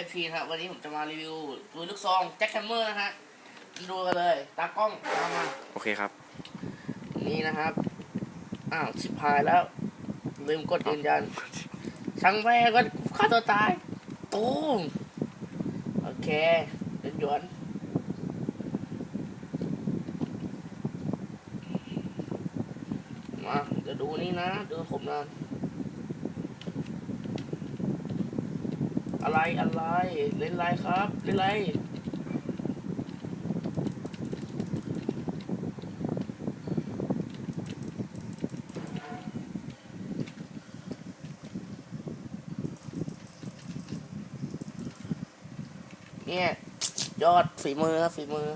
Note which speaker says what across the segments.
Speaker 1: FP นะครับวันนี้ผมจะมารีวิวปืนลูกซองแจ็คแฮมเมอร์นะฮะดูกันเลยตากล้องตามมา
Speaker 2: โอเคครับ
Speaker 1: นี่นะครับชิบหายแล้วลืมกดยืนยันช่างแม่ก็ฆ่าตัวตายตูมโอเคหยวนมาเดี๋ยวดูนี่นะดูผมนะอะไรเล่นไรครับเล่นไรเนี่ยยอดฝีมือครับฝีมือ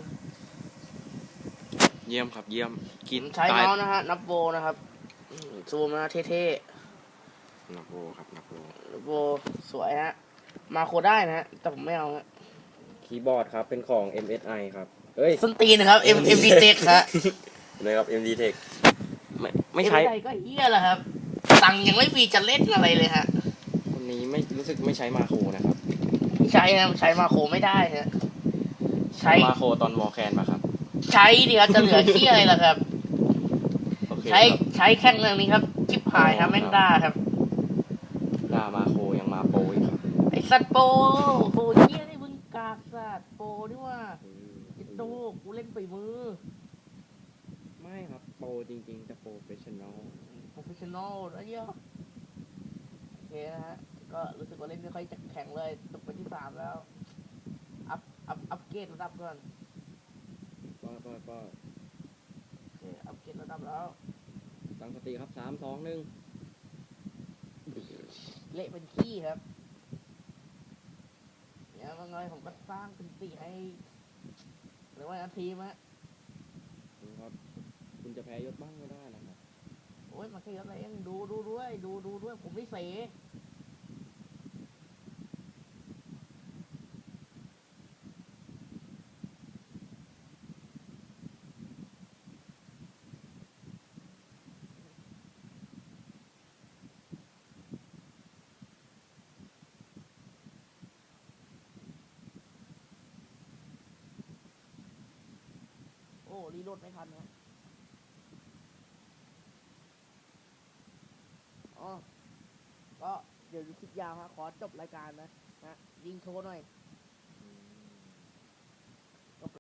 Speaker 2: เยี่ยมครับเยี่ยมกิน
Speaker 1: ใช้เมาส์นะฮะนับโบนะครับซูมนะเท่
Speaker 2: ๆนับโบครับนับ
Speaker 1: โบสวยฮะมาโคได้นะฮะแต่ผมไม่เอาฮะ
Speaker 2: คีย์บอร์ดครับเป็นของ MSI ครับเอ้ย
Speaker 1: ส้นตีนนะครับ MD Tech ฮะ
Speaker 2: นะครับ MD Tech ไม่ใช้
Speaker 1: ก็เฮี้ยแหละครับตังยังไม่มีจะเล่นอะไรเลยฮะ
Speaker 2: คนนี้ไม่รู้สึกไม่ใช้มาโคนะครับ
Speaker 1: ใช้นะใช้มาโคไม่ได้ฮะ
Speaker 2: ใช้มาโคตอนวอลแคนมาครับ
Speaker 1: ใช้ดิครับจะเหลือเฮี้ยอะไรล่ะครับใช้แค่เรื่องนี้ครับชิปหายครับแม่งด้าครับ
Speaker 2: ด้ามาโคยังมาโปรอีกครับ
Speaker 1: ไอสัตว์โปเฮี้ยนี่มึงกากสัตว์โปนี่ว่าโตกูเล่นไปมือ
Speaker 2: ไม่ครับโปรจริงๆจะโปรเฟชชั่นอล
Speaker 1: นะเยอะโอเคนะฮะก็รู้สึกว่าเล่นไม่ค่อยจะแข็งเลยตกไปที่3แล้วอัพเกรดระดับก่อน
Speaker 2: ก็
Speaker 1: โอเคอัพเกรดระดับแล้ว
Speaker 2: ตั้งสติครับ3 2 1
Speaker 1: เละเป็นขี้ครับเนี่ยว่าไงผมก็สร้างเป็นสีให้หรือว่าทีมฮะ
Speaker 2: ครับคุณจะแพ้ยศบ้างไม่ได้นะครับ
Speaker 1: โอ้ยมาแค่ยศอะไรเองดูด้วยผมไม่เสรีโหลดไม่ทันนะก็เดี๋ยวคลิปยาวฮะขอจบรายการนะยิงโชว์หน่อย